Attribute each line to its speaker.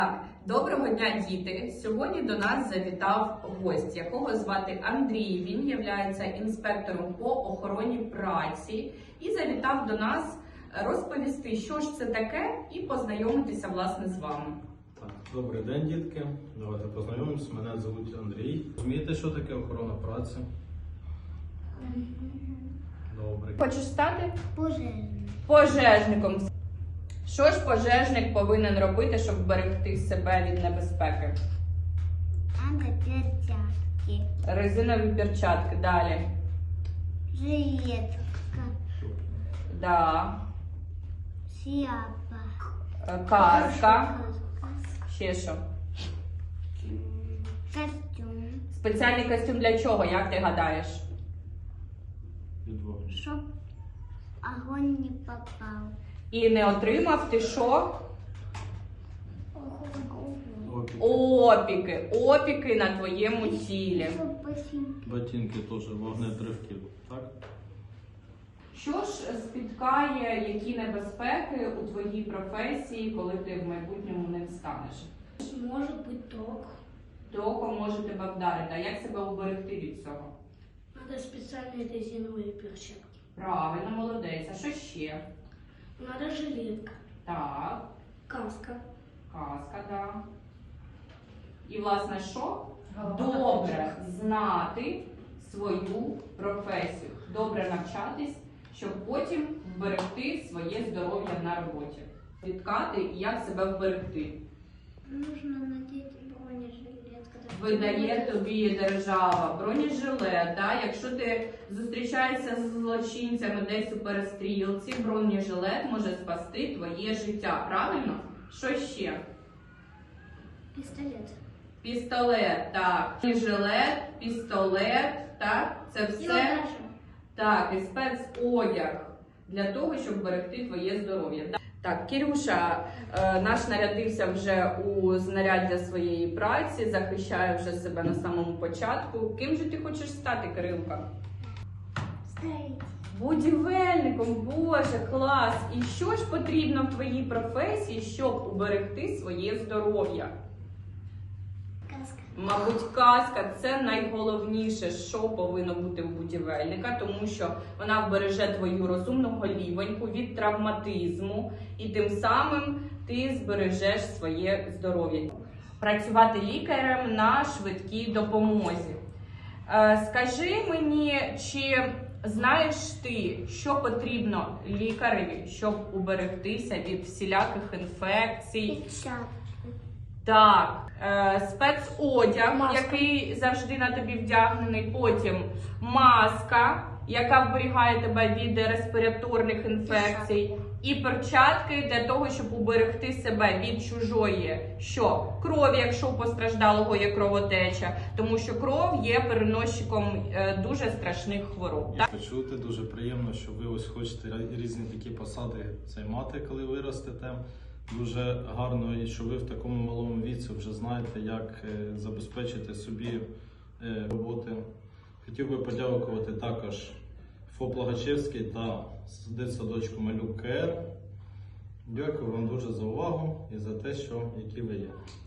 Speaker 1: Доброго дня, діти! Сьогодні до нас завітав гость, якого звати Андрій. Він є інспектором по охороні праці і завітав до нас розповісти, що ж це таке, і познайомитися, власне, з вами.
Speaker 2: Добрий день, дітки. Давайте познайомимося. Мене звуть Андрій. Розумієте, що таке охорона праці? Добре.
Speaker 1: Хочеш стати?
Speaker 3: Пожежником.
Speaker 1: Що ж пожежник повинен робити, щоб вберегти себе від небезпеки?
Speaker 3: Надо перчатки.
Speaker 1: Резинові перчатки. Далі.
Speaker 3: Жилетка.
Speaker 1: Да.
Speaker 3: Шляпа.
Speaker 1: Каска. Ще що?
Speaker 3: Костюм.
Speaker 1: Спеціальний костюм для чого, як ти гадаєш?
Speaker 2: Від вогню.
Speaker 3: Чтоб огонь не попал.
Speaker 1: І не отримав ти що?
Speaker 2: Опіки.
Speaker 1: Опіки на твоєму тілі.
Speaker 2: Ботинки теж, вогнетривки. Так?
Speaker 1: Що ж спіткає, які небезпеки у твоїй професії, коли ти в майбутньому ним станеш?
Speaker 3: Может быть ток.
Speaker 1: Током може тебе вдарити. А як себе уберегти від цього?
Speaker 3: Надо специальные резиновые перчатки.
Speaker 1: Правильно, молодець. А що ще?
Speaker 3: Надо жилетка.
Speaker 1: Так,
Speaker 3: Каска.
Speaker 1: каска, да. І, власне, що? Добре знати свою професію. Добре навчатись, щоб потім вберегти своє здоров'я на роботі. Відкати і як себе вберегти.
Speaker 3: Нужно надеть бронежилет.
Speaker 1: Видає тобі держава бронежилет, да? Якщо ти зустрічаєшся з злочинцями десь у перестрілці, бронежилет може спасти твоє життя, правильно? Що ще?
Speaker 3: Пистолет.
Speaker 1: Пістолет, так. Бронежилет, пістолет, так? Це все. Так, і спецодяг для того, щоб берегти твоє здоров'я. Так, Кирюша наш нарядився вже у знаряддя своєї праці, захищає вже себе на самому початку. Ким же ти хочеш стати, Кирилка?
Speaker 3: Стоит.
Speaker 1: Будівельником, боже, клас! І що ж потрібно в твоїй професії, щоб уберегти своє здоров'я?
Speaker 3: Каска.
Speaker 1: Мабуть, каска – це найголовніше, що повинно бути у будівельника, тому що вона вбереже твою розумну голівоньку від травматизму і тим самим ти збережеш своє здоров'я. Працювати лікарем на швидкій допомозі. Скажи мені, чи знаєш ти, що потрібно лікареві, щоб уберегтися від всіляких інфекцій?
Speaker 3: Перчатки.
Speaker 1: Так, спецодяг,
Speaker 3: Маска.
Speaker 1: який завжди на тобі вдягнений, потім маска, яка вберігає тебе від респіраторних інфекцій, і перчатки для того, щоб уберегти себе від чужої крові, якщо у постраждалого є кровотеча, тому що кров є переносчиком дуже страшних хвороб. Так?
Speaker 2: Почути, дуже приємно, що ви ось хочете різні такі посади займати, коли виростете. Дуже гарно, і що ви в такому малому віці вже знаєте, як забезпечити собі роботи. Хотів би подякувати також ФОП Логачевський та дитсадочку Малюк КР. Дякую вам дуже за увагу і за те, які ви є.